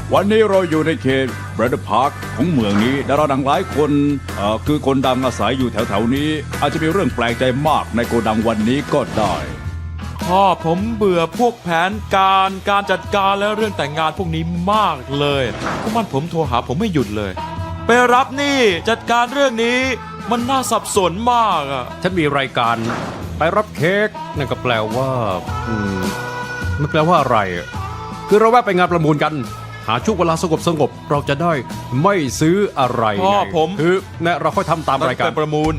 วันนี้เราอยู่ในเขตเบรดพาร์คของเมืองนี้ดาราดังหลายคนคือคนดังอาศัยอยู่แถวๆนี้อาจจะมีเรื่องแปลกใจมากในโกดังวันนี้ก็ได้พ่อผมเบื่อพวกแผนการจัดการและเรื่องแต่งงานพวกนี้มากเลยพวกมันผมโทรหาผมไม่หยุดเลยไปรับนี่จัดการเรื่องนี้มันน่าสับสนมากอ่ะฉันมีรายการไปรับเค้กนั่นก็แปลว่ามันแปลว่าอะไรอะคือเราแวะไปงานประมูลกันหาช่วงเวลาสงบเราจะได้ไม่ซื้ออะไรพ่อไงผมคือเนี่ยเราค่อยทำตามรายการไปประมูล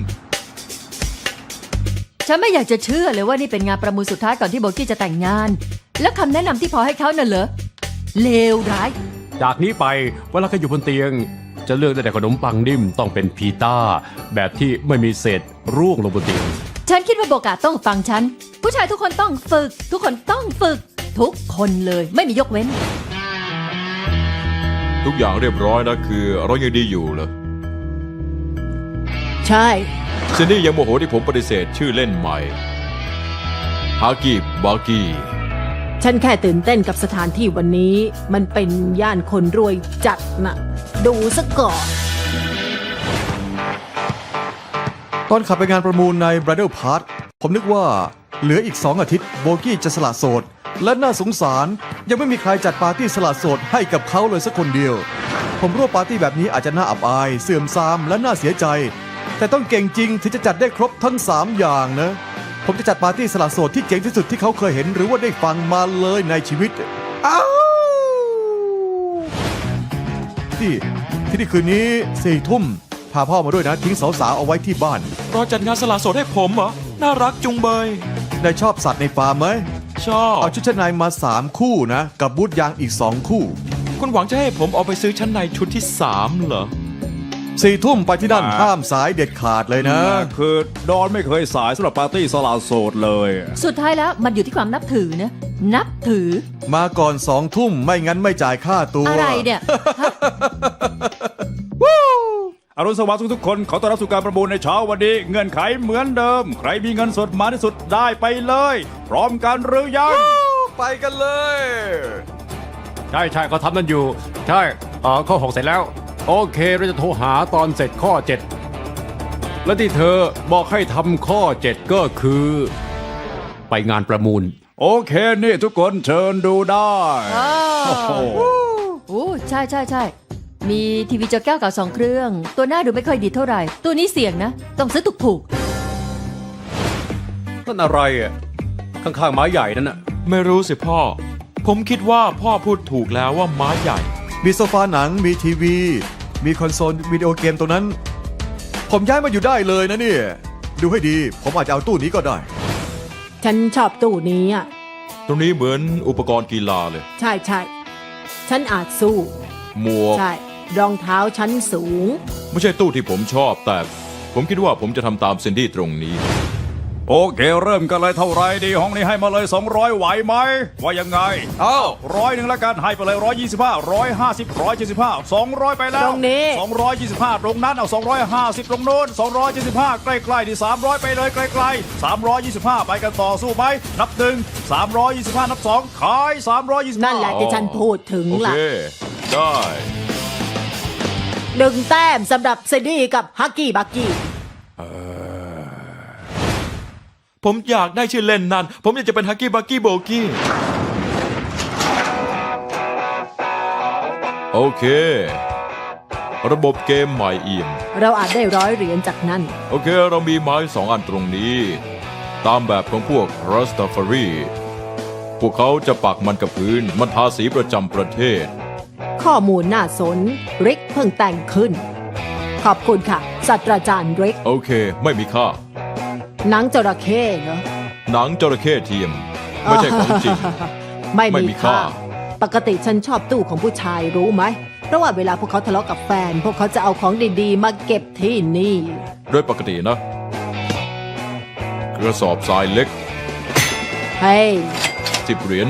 ฉันไม่อยากจะเชื่อเลยว่านี่เป็นงานประมูลสุดท้ายก่อนที่โบกี้จะแต่งงาน แล้วคำแนะนำที่พอให้เขาน่ะเหรอเลวร้ายจากนี้ไปเวลาเขาอยู่บนเตียง จะเลือกได้แต่ขนมปังนิ่มต้องเป็นพีต้าแบบที่ไม่มีเศษร่วงลงบนเตียงฉันคิดว่าโบกาต้องฟังฉัน ผู้ชายทุกคนต้องฝึก ทุกคนต้องฝึก ทุกคนเลยไม่มียกเว้นทุกอย่างเรียบร้อยนะคือเรายังดีอยู่เหรอใช่ซินนี่ยังโมโหที่ผมปฏิเสธชื่อเล่นใหม่ฮากิบากิฉันแค่ตื่นเต้นกับสถานที่วันนี้ มันเป็นย่านคนรวยจัดน่ะ ดูซะก่อนตอนขับไปงานประมูลใน Bridal Park ผมนึกว่าเหลืออีก2 อาทิตย์โบกี้จะสละโสด และน่าสงสารยังไม่มีใครจัดปาร์ตี้สละโสดให้กับเขาเลยสักคนเดียว ผมรู้ว่าปาร์ตี้แบบนี้อาจจะน่าอับอาย เสื่อมทรามและน่าเสียใจ แต่ต้องเก่งจริงถึงจะจัดได้ครบทั้ง3อย่างนะ ผมจะจัดปาร์ตี้สละโสดที่เจ๋งที่สุดที่เขาเคยเห็นหรือว่าได้ฟังมาเลยในชีวิตอ้าวที่นี่คืนนี้4 ทุ่มพาพ่อมาด้วยนะทิ้งสาวๆเอาไว้ที่บ้านรอจัดงานสละโสดให้ผมเหรอน่ารักจุงเบยได้ชอบสัตว์ในฟาร์มไหมชอบเอาชุดชั้นในมา3 คู่นะ กับบูทยางอีก2 คู่คุณหวังจะให้ผมเอาไปซื้อชั้นในชุดที่3เหรอ 4 ทุ่มไปที่นั่นห้ามสายเด็ดขาดเลยนะคือดอนไม่เคยสายสำหรับปาร์ตี้สละโสดเลยสุดท้ายแล้วมันอยู่ที่ความนับถือนะ นับถือมาก่อน2 ทุ่มไม่งั้นไม่จ่ายค่าตัวอะไรเนี่ยฮะอรุณสวัสดิ์ทุกๆคนขอต้อนรับสู่การประมูลในเช้าวันนี้เงื่อนไขเหมือนเดิม ใครมีเงินสดมากที่สุดได้ไปเลย พร้อมกันหรือยังไปกันเลยใช่เขาทำนั่นอยู่ ใช่ข้อ6เสร็จแล้ว โอเคเราจะโทรหาตอนเสร็จข้อ 7 และที่เธอบอกให้ทำข้อ 7 ก็คือ ไปงานประมูลโอเคนี่ทุกคนเชิญดูได้อ้าวโอ้โหโอ้ใช่มีทีวีจอแก้วเก่า2 เครื่อง ตัวหน้าดูไม่ค่อยดีเท่าไหร่ ตัวนี้เสี่ยงนะ ต้องซื้อถูกนั่นอะไรอ่ะข้างๆไม้ใหญ่นั่นน่ะไม่รู้สิพ่อ ผมคิดว่าพ่อพูดถูกแล้วว่าม้าใหญ่มีโซฟาหนังมีทีวี มีคอนโซลวิดีโอเกมตรงนั้น ผมย้ายมาอยู่ได้เลยนะเนี่ย ดูให้ดีผมอาจจะเอาตู้นี้ก็ได้ฉันชอบตู้นี้อ่ะตรงนี้เหมือนอุปกรณ์กีฬาเลยใช่ฉันอาจสู้หมวกใช่ รองเท้าชั้นสูงไม่ใช่ตู้ที่ผมชอบ แต่ผมคิดว่าผมจะทำตามซินดี้ตรงนี้โอเคเริ่มกันเลยเท่าไรดีห้องนี้ให้มาเลย200ไหวไหมว่ายังไงเอ้า100แล้วกันให้ไปเลย125 150 175 200ไปแล้วตรงนี้ 225ตรงนั้นเอา250ตรงโน้น275ใกล้ๆที่300ไปเลยใกล้ๆ325ไปกันต่อสู้ไหมนับ1 325นับ2ขาย325 นั่นแหละที่ฉันพูดถึงโอล่ะเค ได้ 1 แต้มสำหรับเซดี้กับฮักกี้บักกี้ผมอยากได้ชื่อเล่นนั่น ผมอยากจะเป็นฮักกี้บักกี้โบกี้ โอเค ระบบเกมใหม่เอี่ยมเราอาจได้100 เหรียญจากนั้นโอเค เรามีไม้2 อันตรงนี้ ตามแบบของพวกรัสตาฟารีพวกเขาจะปักมันกับพื้น มันทาสีประจำประเทศข้อมูลน่าสน ริกเพิ่งแต่งขึ้น ขอบคุณค่ะ ศาสตราจารย์ริกโอเค ไม่มีค่าหนังจระเข้เหรอหนังจระเข้เทียม ไม่ใช่ของจริงไม่ไม่มีมีค่าค่า ปกติฉันชอบตู้ของผู้ชายรู้ไหม เพราะว่าเวลาพวกเขาทะเลาะกับแฟน พวกเขาจะเอาของดีๆ มาเก็บที่นี่โดยปกตินะ กระสอบทรายเล็กเฮ้ย 10 เหรียญ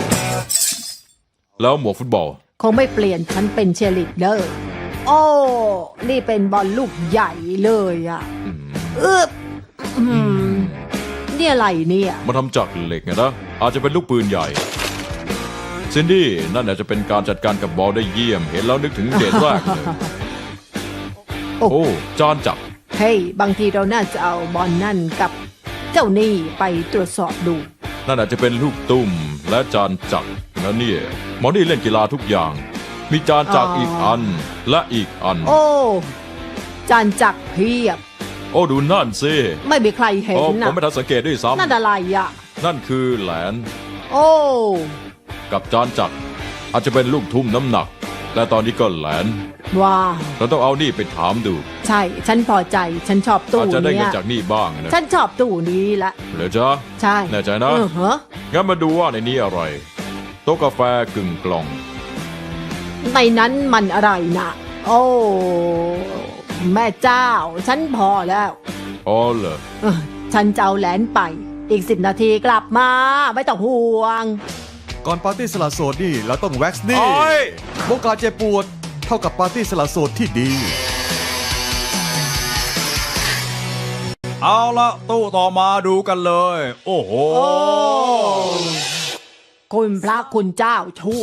แล้วหมวกฟุตบอลคงไม่เปลี่ยนฉันเป็นเชียร์ลีดเดอร์ โอ้ นี่เป็นบอลลูกใหญ่เลยอะอืมนี่อะไรเนี่ยมาทำจากเหล็กไงนะ อาจจะเป็นลูกปืนใหญ่ซินดี้นั่นอาจจะเป็นการจัดการกับบอลได้เยี่ยม เห็นแล้วนึกถึงเดทแรกเลยโอ้โอ้จานจับเฮ้ยบางทีเราน่าจะเอาบอลนั่นกับเจ้านี่ไปตรวจสอบดูนั่นอาจจะเป็นลูกตุ้มและจานจักรนะเนี่ยหมอนี่เล่นกีฬาทุกอย่าง มีจานจักรอีกอันและอีกอันโอ้จานจักรเพียบโอ้ดูนั่นสิไม่มีใครเห็นโอ้ผนะมไม่ทันสังเกตด้วยซ้นั่นอะไรอ่ะำนั่นคือแหลนโอ้กับจานจักรอาจจะเป็นลูกทุ่มน้ำหนัก และตอนนี้ก็แหลนว้าวเราต้องเอานี่ไปถามดูใช่ ฉันพอใจ ฉันชอบตู้อาจจะได้เนี้เงินยจากนี่บ้างนะฉันชอบตู้นี้ละเหรอจ๊ะใช่แน่ใจนะฮะงั้นมาดูว่าในนี้อะไร โต๊ะกาแฟกึ่งกล่องในนั้นมันอะไรนะโอ้ แม่เจ้า ฉันพอแล้วอ๋อเหรอเออฉันจะเอาแหลนไป อีก10 นาทีกลับมา ไม่ต้องห่วงก่อนปาร์ตี้สละโสดนี่เราต้องแว็กซ์นี่โอ้ยโอกาสเจ็บปวดเท่ากับปาร์ตี้สละโสดที่ดีเอาละตู้ต่อมาดูกันเลย โอ้โหโอ้ คุณพระคุณเจ้าช่วย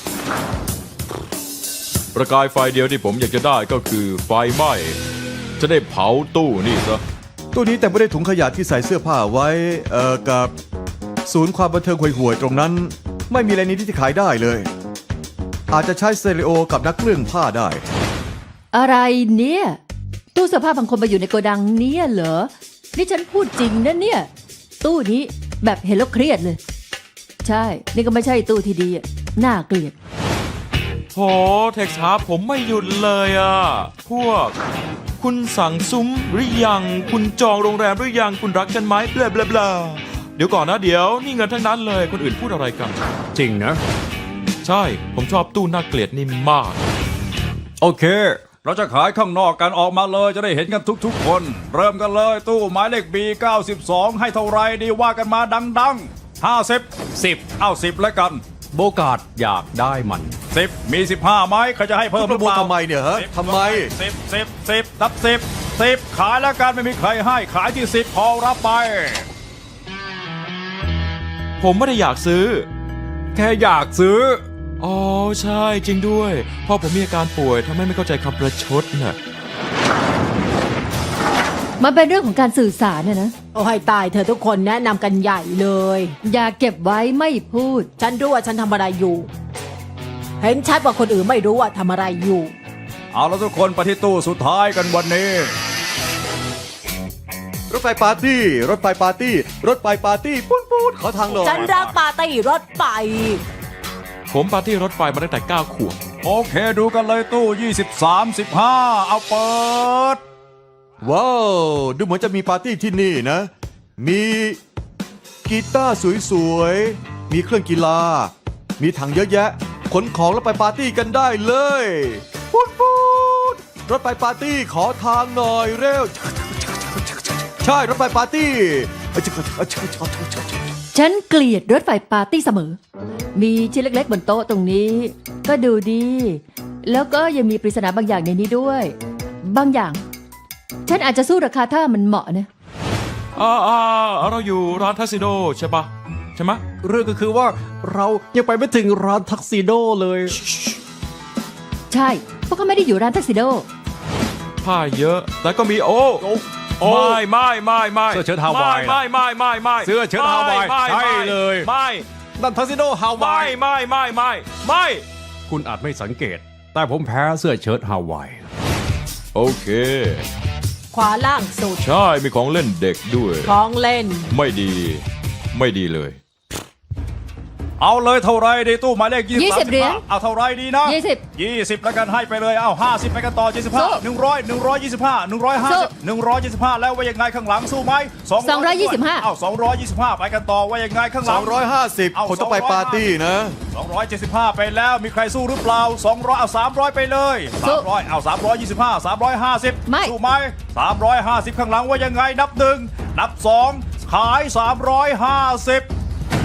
ประกายไฟเดียวที่ผมอยากจะได้ก็คือไฟไหม้ จะได้เผาตู้นี่ซะตู้นี้แต่ไม่ได้ถุงขยะที่ใส่เสื้อผ้าไว้ กับศูนย์ความบันเทิงห่วยๆตรงนั้น ไม่มีอะไรนี้ที่จะขายได้เลย อาจจะใช้สเตอริโอกับนักเคลื่อนผ้าได้อะไรเนี่ย ตู้เสื้อผ้าบางคนมาอยู่ในโกดังเนี่ยเหรอ นี่ฉันพูดจริงนะเนี่ย ตู้นี้แบบเห็นแล้วเครียดเลย ใช่ นี่ก็ไม่ใช่ตู้ที่ดีอะน่าเกลียดโหเท็กซ์หาผมไม่หยุดเลยอ่ะ พวก คุณสั่งซุ้มหรือยัง คุณจองโรงแรมหรือยัง คุณรักฉันไหมเบลาเบลาเบลาเดี๋ยวก่อนนะเดี๋ยวนี่เงินทั้งนั้นเลย คนอื่นพูดอะไรกันจริงนะใช่ ผมชอบตู้น่าเกลียดนี่มากโอเคเราจะขายข้างนอกกันออกมาเลยจะได้เห็นกันทุกๆคน เริ่มกันเลยตู้หมายเลข B92 ให้เท่าไรดีว่ากันมาดังๆ 50 10เอา10แล้วกันโบกาดอยากได้มัน 10 มี 15ไหมใครจะให้เพิ่มหปรืระอมูเปลล่าทำไมเนี่ยฮะ 10 ทำไม 10นับ10ขายแล้วกันไม่มีใครให้ขายที่10พอรับไปผมไม่ได้อยากซื้อแค่อยากซื้ออ๋อใช่จริงด้วยพ่อผมมีอาการป่วยทำให้ไม่เข้าใจคำประชดน่ะมันเป็นเรื่องของการสื่อสารนะโอ้ให้ตายเธอทุกคนแนะนำกันใหญ่เลยอย่าเก็บไว้ไม่พูดฉันรู้ว่าฉันทำอะไรอยู่ เห็นชัดว่าคนอื่นไม่รู้ว่าทำอะไรอยู่เอาแล้วทุกคนไปที่ตู้สุดท้ายกันวันนี้รถไฟปาร์ตี้ รถไฟปาร์ตี้ รถไฟปาร์ตี้ปูนขอทางหน่อยฉันรักปาร์ตี้รถไฟผมปาร์ตี้รถไฟมาตั้งแต่9 ขวบโอเคดูกันเลยตู้23 15เอาเปิดว้าว ดูเหมือนจะมีปาร์ตี้ที่นี่นะ มีกีตาร์สวยๆ มีเครื่องกีฬา มีถังเยอะแยะ ขนของแล้วไปปาร์ตี้กันได้เลยปูนรถไฟปาร์ตี้ขอทางหน่อยเร็ว ใช่รถไฟปาร์ตี้ฉันเกลียดรถไฟปาร์ตี้เสมอ มีชิ้นเล็กๆบนโต๊ะตรงนี้ ก็ดูดี แล้วก็ยังมีปริศนาบางอย่างในนี้ด้วย บางอย่าง ฉันอาจจะสู้ราคาถ้ามันเหมาะนะเราอยู่ร้านทัสซิโดใช่ปะใช่ไหมะเรื่องก็คือว่าเรายังไปไม่ถึงร้านทักซิโดเลยใช่เพราะเขาไม่ได้อยู่ร้านทักซิโดผ้าเยอะ แต่ก็มีโอ้โอ้ไม่เสื้อเชิ้ตฮาวายไม่เสื้อเชิ้ตฮาวายไม่ใช่เลยไม่นั่นทักซิโดฮาวายไม่คุณอาจไม่สังเกต แต่ผมแพ้เสื้อเชิ้ตฮาวายโอเคขวาล่างสุดใช่มีของเล่นเด็กด้วยของเล่นไม่ดีเลยเอาเลยเท่าไรดีตู้หมายเลข 20 เหรียญเอาเท่าไรดีนะ 20แล้วกันให้ไปเลยเอา50ไปกันต่อสู้ 75 100 125 150 125แล้วว่ายังไงข้างหลังสู้ไหม 225 เอา225ไปกันต่อว่ายังไงข้างหลัง 250 คนต้องไปปาร์ตี้นะ 275 ไปแล้วมีใครสู้หรือเปล่า200เอา300ไปเลย300เอา325 350 ไม่สู้ไหม350 ข้างหลังว่ายังไงนับ1นับ2ขาย350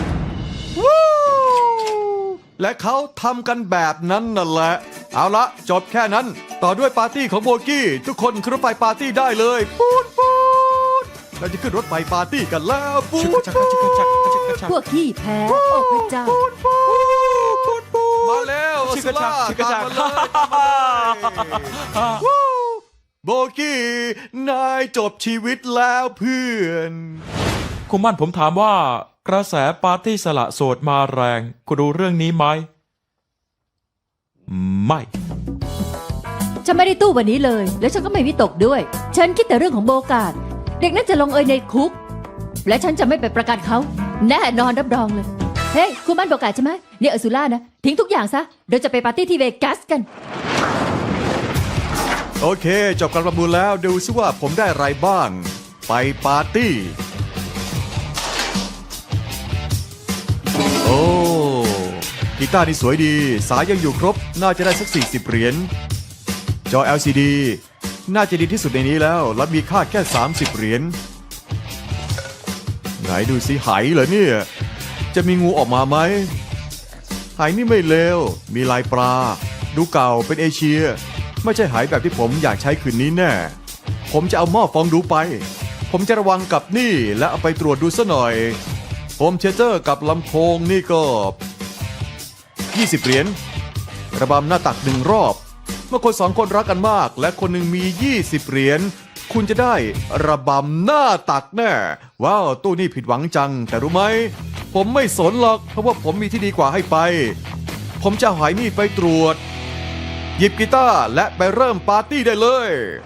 และเขาทำกันแบบนั้นนั่นแหละ เอาละจบแค่นั้น ต่อด้วยปาร์ตี้ของโบกี้ ทุกคนขึ้นรถไฟปาร์ตี้ได้เลยปูนเราจะขึ้นรถไฟปาร์ตี้กันแล้วปูนพวกขี้แพ้ โอ้พระเจ้าปูนชิกระชักชิกระชักตามมาเลยตามมาเลยวู้โบกี้นายจบชีวิตแล้วเพื่อนคุณมั่นผมถามว่ากระแสปาร์ตี้สละโสดมาแรง คุณรู้เรื่องนี้ไหม ไม่ฉันไม่ได้ตู้วันนี้เลย แล้วฉันก็ไม่วิตกด้วย ฉันคิดแต่เรื่องของโบกาดเด็กนั้นจะลงเอยในคุก และฉันจะไม่ไปประกันเขา แน่นอนรับรองเลย เฮ้ยคุณมั่นโบกาดใช่ไหมเนี่ยอสุล่านะทิ้งทุกอย่างซะเราจะไปปาร์ตี้ที่เวกัสกันโอเค จบการประมูลแล้วดูซิว่าผมได้อะไรบ้าง ไปปาร์ตี้ โอ้กีตาร์นี่สวยดี สายยังอยู่ครบ น่าจะได้สัก40เหรียญจอ LCD น่าจะดีที่สุดในนี้แล้ว และมีค่าแค่30เหรียญไหนดูสิไหเหรอเนี่ย จะมีงูออกมาไหมไหนี่ไม่เลวมีลายปลา ดูเก่าเป็นเอเชีย ไม่ใช่ไหแบบที่ผมอยากใช้คืนนี้แน่ ผมจะเอาหม้อฟองดูไป ผมจะระวังกับนี่และเอาไปตรวจดูซะหน่อยโฮมเทเตอร์กับลำโพงนี่ก็20เหรียญระบำหน้าตัก1รอบ เมื่อคน2คนรักกันมาก และคนหนึ่งมี20เหรียญคุณจะได้ระบำหน้าตักแน่ว้าวตู้นี่ผิดหวังจัง แต่รู้ไหมผมไม่สนหรอกเพราะว่าผมมีที่ดีกว่าให้ไป ผมจะเอาไหนี่ไปตรวจหยิบกีตาร์และไปเริ่มปาร์ตี้ได้เลย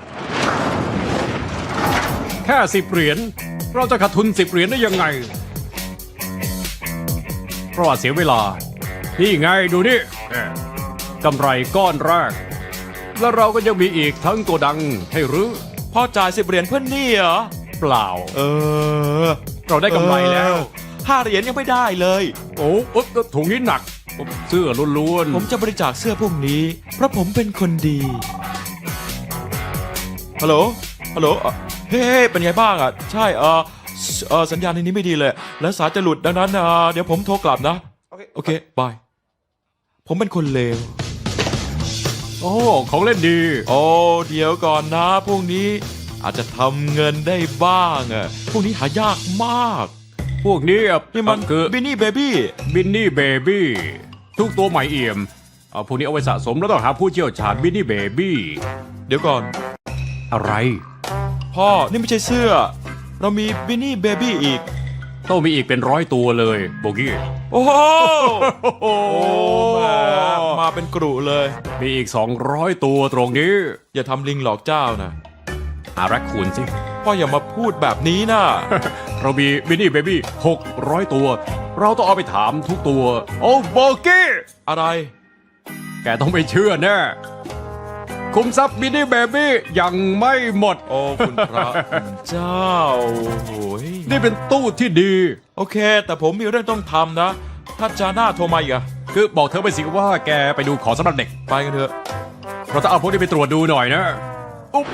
แค่10เหรียญเราจะขาดทุน10เหรียญได้ยังไงเพราะว่าเสียเวลา นี่ไงดูนี่กำไรก้อนแรก แล้วเราก็ยังมีอีกทั้งโกดังให้รื้อพ่อจ่าย10เหรียญเพื่อนนี่เหรอเปล่าอเราได้กำไรแล้ว 5เหรียญยังไม่ได้เลยโอ้ถุงนี้หนัก เสื้อล้วนๆผมจะบริจาคเสื้อพวกนี้ เพราะผมเป็นคนดี ฮัลโหล ฮัลโหลเฮ้ยเป็นไงบ้างอ่ะ ใช่สัญญาณในนี้ไม่ดีเลย และสายจะหลุดดังนั้นเดี๋ยวผมโทรกลับนะ โอเค บาย ผมเป็นคนเลวโอ้ของเล่นดีโอ้ เดี๋ยวก่อนนะ พวกนี้อาจจะทำเงินได้บ้างอ่ะ พวกนี้หายากมากพวกนี้นี่มันคือบินนี่เบบี้บินนี่เบบี้ทุกตัวใหม่เอี่ยมพวกนี้เอาไว้สะสมแล้วต้องหาผู้เชี่ยวชาญบินนี่เบบี้เดี๋ยวก่อนอะไรพ่อ นี่ไม่ใช่เสื้อ เรามีบินนี่เบบี้อีกต้องมีอีกเป็น100ตัวเลยโบกี้โอ้โหโอ้แหมมาเป็นกรุเลยมีอีก200ตัวตรงนี้อย่าทำลิงหลอกเจ้านะหาแรคคูนสิพ่ออย่ามาพูดแบบนี้นะเรามีบินนี่เบบี้600 ตัว เราต้องเอาไปถามทุกตัว โอ้โบกี้อะไรแกต้องไม่เชื่อแน่คุมทรัพย์บินนี่เบบี้ยังไม่หมดโอ้คุณพระคุณเจ้าโอ้ยนี่เป็นตู้ที่ดีโอเค แต่ผมมีเรื่องต้องทำนะ ถ้าจาน่าโทรมาอีกอะคือบอกเธอไปสิว่าแกไปดูของสำหรับเด็กไปกันเถอะเราต้องเอาพวกนี้ไปตรวจดูหน่อยนะอุ๊บ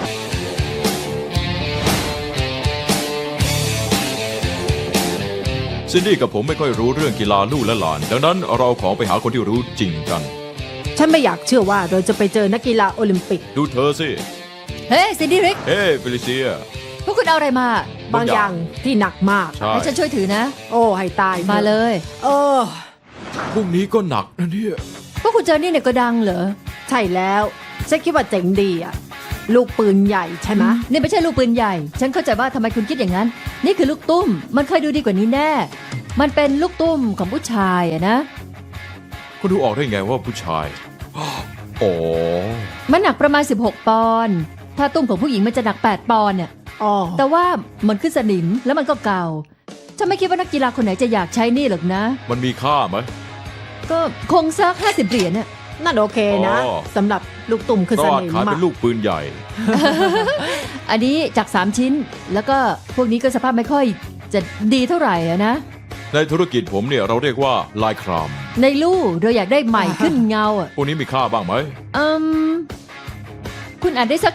ซินดี้กับผมไม่ค่อยรู้เรื่องกีฬาลู่และหลาน ดังนั้นเราเอาของไปหาคนที่รู้จริงกันฉันไม่อยากเชื่อว่าเราจะไปเจอนักกีฬาโอลิมปิกดูเธอสิเฮ้ยซินดี้ริกเฮ้เฟลิเซียพวกคุณเอาอะไรมาบางอย่างที่หนักมากใช่ให้ฉันช่วยถือนะโอ้ให้ตายถอะมาเลยเออพวกนี้ก็หนักนะเนี่ยพวกคุณเจอนี่ในโกดังเหรอใช่แล้วฉันคิดว่าเจ๋งดีอะลูกปืนใหญ่ใช่ไหมนี่ไม่ใช่ลูกปืนใหญ่ ฉันเข้าใจว่าทำไมคุณคิดอย่างนั้น นี่คือลูกตุ้ม มันเคยดูดีกว่านี้แน่ มันเป็นลูกตุ้มของผู้ชายอะนะคุณดูออกได้ไงว่าผู้ชาย อ๋อมันหนักประมาณ 16 ปอนด์ ถ้าตุ้มของผู้หญิงมันจะหนัก 8 ปอนด์เนี่ยอ๋อแต่ว่ามันขึ้นสนิมแล้วมันก็เก่า ฉันไม่คิดว่านักกีฬาคนไหนจะอยากใช้นี่หรอกนะมันมีค่าไหมก็คงสัก50 เหรียญน่ะนั่นโอเคนะอ๋อสำหรับลูกตุ่มคือก็สอาจนิมขายอะเป็นลูกปืนใหญ่อันนี้จาก 3 ชิ้น แล้วก็พวกนี้ก็สภาพไม่ค่อยจะดีเท่าไหร่อะนะในธุรกิจผมเนี่ยเราเรียกว่าลายครามในลู่เราอยากได้ใหม่ขึ้นเงาอ่ะพวกนี้มีค่าบ้างไหมอืมคุณอาจได้สัก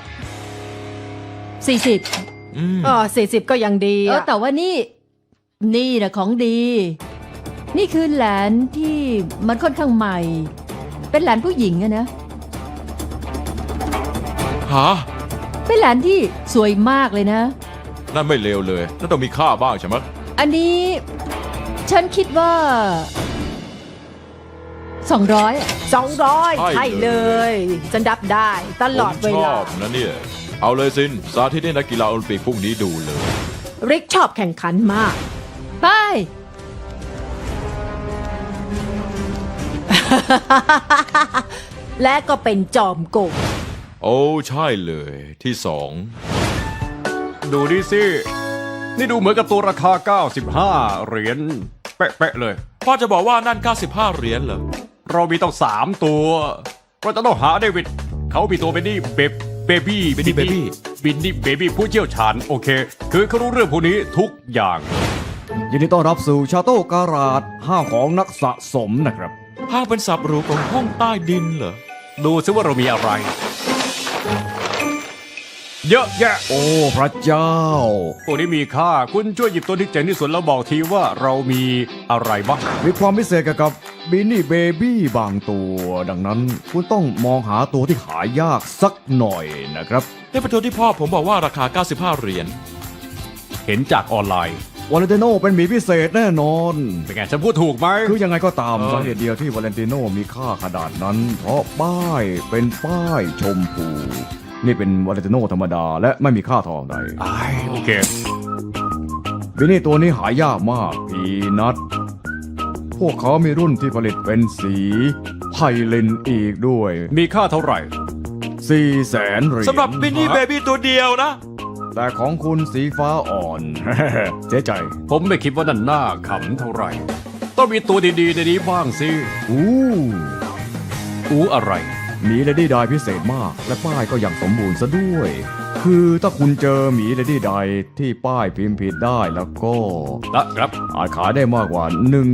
40 อืม 40 ก็ยังดีอะแต่ว่านี่นะของดี นี่คือแหลนที่มันค่อนข้างใหม่ เป็นแหลนผู้หญิงอะนะหาเป็นแหลนที่สวยมากเลยนะนั่นไม่เลวเลยนั่นต้องมีค่าบ้างใช่ไหมอันนี้ฉันคิดว่า 200อะ 200 ใช่ใช่เลยฉันรับได้ตลอดเวผมชลาอบนะเนี่ย เอาเลยซิน สาธิตให้นักกีฬาโอลิมปิกพรุ่งนี้ดูเลยริกชอบแข่งขันมากไปและก็เป็นจอมโกงโอ้ใช่เลยที่สองดูดิสิ นี่ดูเหมือนกับตัวราคา 95 เหรียญเป๊ะๆเลยพ่อจะบอกว่านั่น 95 เหรียญเหรอเรามีต้อง3ตัว เราจะต้องหาเดวิด เขามีตัวเป็นนี่เบบี้ Benny Baby บินนี่เบบี้ผู้เชี่ยวชาญ โอเค คือเขารู้เรื่องพวกนี้ทุกอย่างยินดีต้อนรับสู่ชาโต้การาดห้างของนักสะสมนะครับห้างเป็นสับหรูของห้องใต้ดินเหรอดูซิว่าเรามีอะไร เยอะแยะโอ้พระเจ้าพวกนี้มีค่า คุณช่วยหยิบตัวที่เจ๋งที่สุดแล้วบอกทีว่าเรามีอะไรบ้างมีความพิเศษเกี่ยวกับบินนี่เบบี้บางตัว ดังนั้นคุณต้องมองหาตัวที่หายากสักหน่อยนะครับนี่เป็นตัวที่พ่อผมบอกว่าราคา 95 เหรียญเห็นจากออนไลน์วาเลนติโนเป็นหมีพิเศษแน่นอนเป็นไงฉันพูดถูกไหมคือยังไงก็ตามสาเหตุเดียวที่วาเลนติโนมีค่าขนาดนั้น เพราะป้ายเป็นป้ายชมพู นี่เป็นวาเลนติโนธรรมดาและไม่มีค่าทองใดโอเคบินนี่ตัวนี้หายากมากพีนัทพวกเขามีรุ่นที่ผลิตเป็นสีไพลินอีกด้วยมีค่าเท่าไหร่ 400,000 เหรียญสำหรับบินนี่เบบี้ตัวเดียวนะแต่ของคุณสีฟ้าอ่อน เจ๊ใจผมไม่คิดว่านั่นน่าขำเท่าไหร่ ต้องมีตัวดีๆในนี้บ้างสิอู้อะไรหมีเลดี้ไดพิเศษมาก และป้ายก็อย่างสมบูรณ์ซะด้วย คือถ้าคุณเจอหมีเลดี้ไดที่ป้ายพิมพ์ผิดได้แล้วก็นะครับอาจขายได้มากกว่า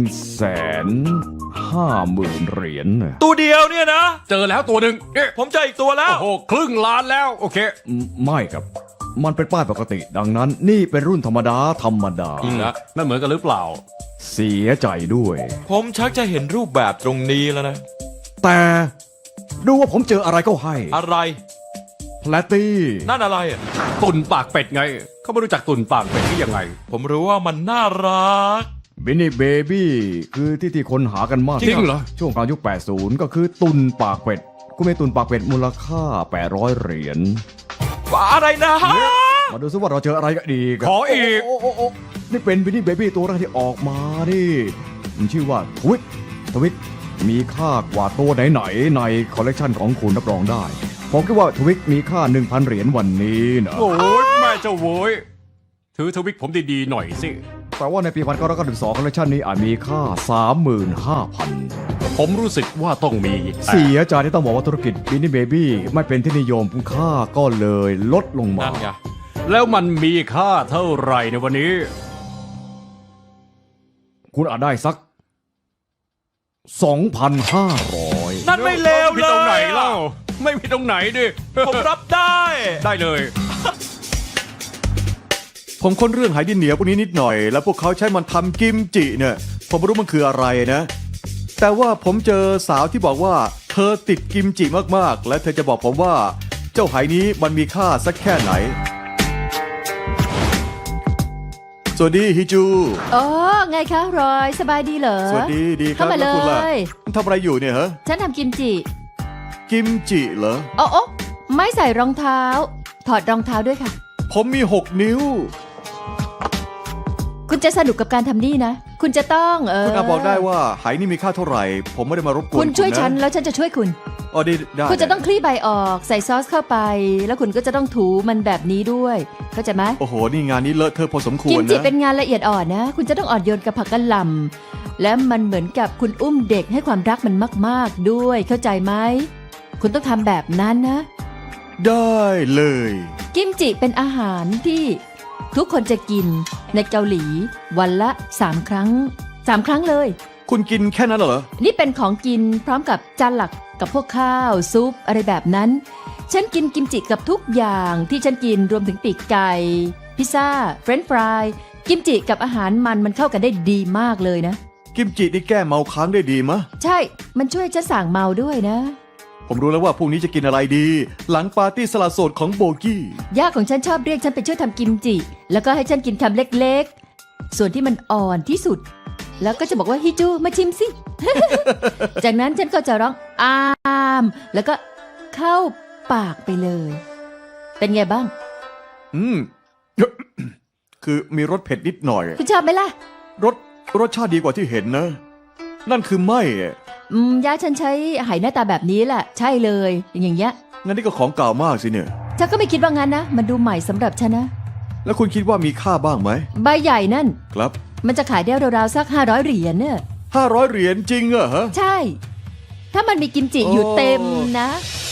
150,000 เหรียญนะตัวเดียวเนี่ยนะเจอแล้วตัวหนึ่งเอ๊ะผมเจออีกตัวแล้วโอ้โหครึ่งล้านแล้ว โอเคไม่ครับ มันเป็นป้ายปกติ ดังนั้นนี่เป็นรุ่นธรรมดานั่นเหมือนกันหรือเปล่าเสียใจด้วยผมชักจะเห็นรูปแบบตรงนี้แล้วนะแต่ดูว่าผมเจออะไรก็ให้อะไรแพลตตี้นั่นอะไรอะตุ่นปากเป็ดไง เขาไม่รู้จักตุ่นปากเป็ดที่ยังไงผมรู้ว่ามันน่ารักบินนี่เบบี้คือที่คนหากันมากจริงเหรอช่วงกลางยุค 80 ก็คือตุนปากเป็ดกูมีตุนปากเป็ดมูลค่า 800 เหรียญอะไรนะมาดูซิว่าเราเจออะไรกันดีกันขออีกโโอ้นี่เป็นบินนี่เบบี้ตัวแรกที่ออกมาดิมันชื่อว่าทวิตมีค่ากว่าตัวไหนๆในคอลเลกชันของคุณรับรองได้ ผมคิดว่าทวิตมีค่า 1,000 เหรียญวันนี้นะโอ้ยแม่เจ้าโว้ยถือทวิกผมดีๆหน่อยสิแต่ว่าในปี 1992 คอลเลกชันนี้อาจมีค่า 35,000 ผมรู้สึกว่าต้องมีแต่เสียใจที่ต้องบอกว่าธุรกิจบินนี่เบบี้ไม่เป็นที่นิยมค่าก็เลยลดลงมานั่นไงแล้วมันมีค่าเท่าไหร่ในวันนี้คุณอาจได้สัก 2,500 นั่นไม่เลวผิเลดตรงไหนยเล่า ไม่ผิดตรงไหนดิผมรับได้ได้เลยผมค้นเรื่องไหดินเหนียวพวกนี้นิดหน่อย แล้วพวกเขาใช้มันทำกิมจิเนี่ย ผมไม่รู้มันคืออะไรนะ แต่ว่าผมเจอสาวที่บอกว่า เธอติดกิมจิมากๆ และเธอจะบอกผมว่า เจ้าไหนี้มันมีค่าสักแค่ไหน สวัสดีฮิจูอ๋อ ไงคะรอย สบายดีเหรอสวัสดีดีครับเข้ามาแล้วคุณล่ะเลยคุณทำอะไรอยู่เนี่ยฮะฉันทำกิมจิกิมจิเหรอโอ้โอ้ไม่ใส่รองเท้า ถอดรองเท้าด้วยค่ะผมมี 6 นิ้วคุณจะสนุกกับการทำนี่นะ คุณจะต้องคุณอาบอกได้ว่าไหนี่มีค่าเท่าไหร่ ผมไม่ได้มารบกวนคุณช่วยะฉันแล้วฉันจะช่วยคุณอ๋อได้คุณจะต้องคลี่ใบออกใส่ซอสเข้าไป แล้วคุณก็จะต้องถูมันแบบนี้ด้วย เข้าใจไหมโอ้โห นี่งานนี้เลอะเทอะพอสมควกิรมจินะเป็นงานละเอียดอ่อนนะ คุณจะต้องอ่อนโยนกับผักกะหล่ำและมันเหมือนกับคุณอุ้มเด็กให้ความรักมันมาก ๆ ด้วย เข้าใจไหม คุณต้องทำแบบนั้นนะได้เลยกิมจิเป็นอาหารที่ทุกคนจะกินในเกาหลี วันละ 3 ครั้ง 3 ครั้งเลยคุณกินแค่นั้นเหรอนี่เป็นของกินพร้อมกับจานหลักกับพวกข้าวซุปอะไรแบบนั้น ฉันกินกิมจิกับทุกอย่างที่ฉันกินรวมถึงปีกไก่ พิซซ่า เฟรนช์ฟราย กิมจิกับอาหารมันเข้ากันได้ดีมากเลยนะกิมจินี่แก้เมาค้างได้ดีมะใช่ มันช่วยฉันสั่งเมาด้วยนะผมรู้แล้วว่าพรุ่งนี้จะกินอะไรดี หลังปาร์ตี้สละโสดของโบกี้ย่าของฉันชอบเรียกฉันไปช่วยทำกิมจิ แล้วก็ให้ฉันกินคำเล็กๆ ส่วนที่มันอ่อนที่สุดแล้วก็จะบอกว่าฮิจูมาชิมสิ จากนั้นฉันก็จะร้องอามแล้วก็เข้าปากไปเลย เป็นไงบ้างอืม คือมีรสเผ็ดนิดหน่อยคุณชอบไหมล่ะรสชาติดีกว่าที่เห็นนะ นั่นคือไม่อะย่าฉันใช้ไหหน้าตาแบบนี้แหละใช่เลยอย่างเงี้ยงั้นนี่ก็ของเก่ามากสิเนี่ยฉันก็ไม่คิดว่างั้นนะมันดูใหม่สำหรับฉันนะแล้วคุณคิดว่ามีค่าบ้างไหมใบใหญ่นั่นครับมันจะขายได้ราวๆสัก500เหรียญเนี่ย 500 เหรียญจริงเหรอฮะใช่ ถ้ามันมีกิมจิอยู่โอ้เต็มนะ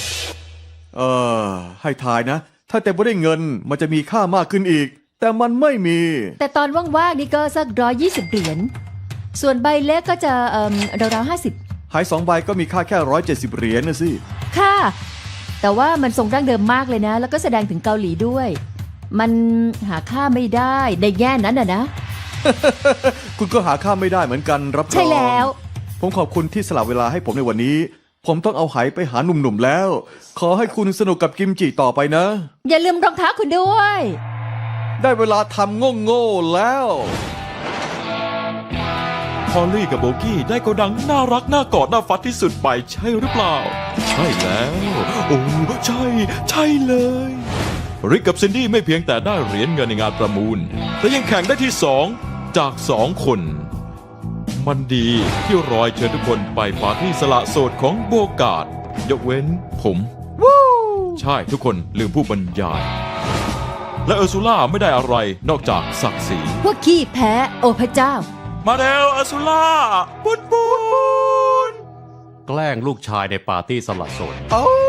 ให้ทายนะ ถ้าเต็มไปด้วยเงินมันจะมีค่ามากขึ้นอีก แต่มันไม่มีแต่ตอนว่างๆนี่ก็สัก120เหรียญส่วนใบเล็กก็จะราวๆ50 หาย2 ใบก็มีค่าแค่170 เหรียญนะสิค่ะ แต่ว่ามันทรงดั้งเดิมมากเลยนะ แล้วก็แสดงถึงเกาหลีด้วย มันหาค่าไม่ได้ในแง่นั้นนะคุณก็หาค่าไม่ได้เหมือนกันรับรองใช่แล้วผมขอบคุณที่สละเวลาให้ผมในวันนี้ ผมต้องเอาไหไปหาหนุ่มๆแล้ว ขอให้คุณสนุกกับกิมจิต่อไปนะอย่าลืมรองเท้าคุณด้วยได้เวลาทำโง่ๆแล้วพอลลี่กับโบกี้ได้โกดังน่ารักน่ากอดน่าฟัดที่สุดไปใช่หรือเปล่า ใช่แล้ว โอ้ใช่เลยริกกับซินดี้ไม่เพียงแต่ได้เหรียญเงินในงานประมูล แต่ยังแข่งได้ที่2จาก2คน มันดีที่รอยเชิญทุกคนไปปาร์ตี้สละโสดของโบกาดยกเว้นผมใช่ทุกคนลืมผู้บรรยาย และเออร์ซูล่าไม่ได้อะไรนอกจากศักดิ์ศรีพวกขี้แพ้โอ้พระเจ้ามาแล้วเออร์ซูล่าปุนแกล้งลูกชายในปาร์ตี้สละโสดเอ้า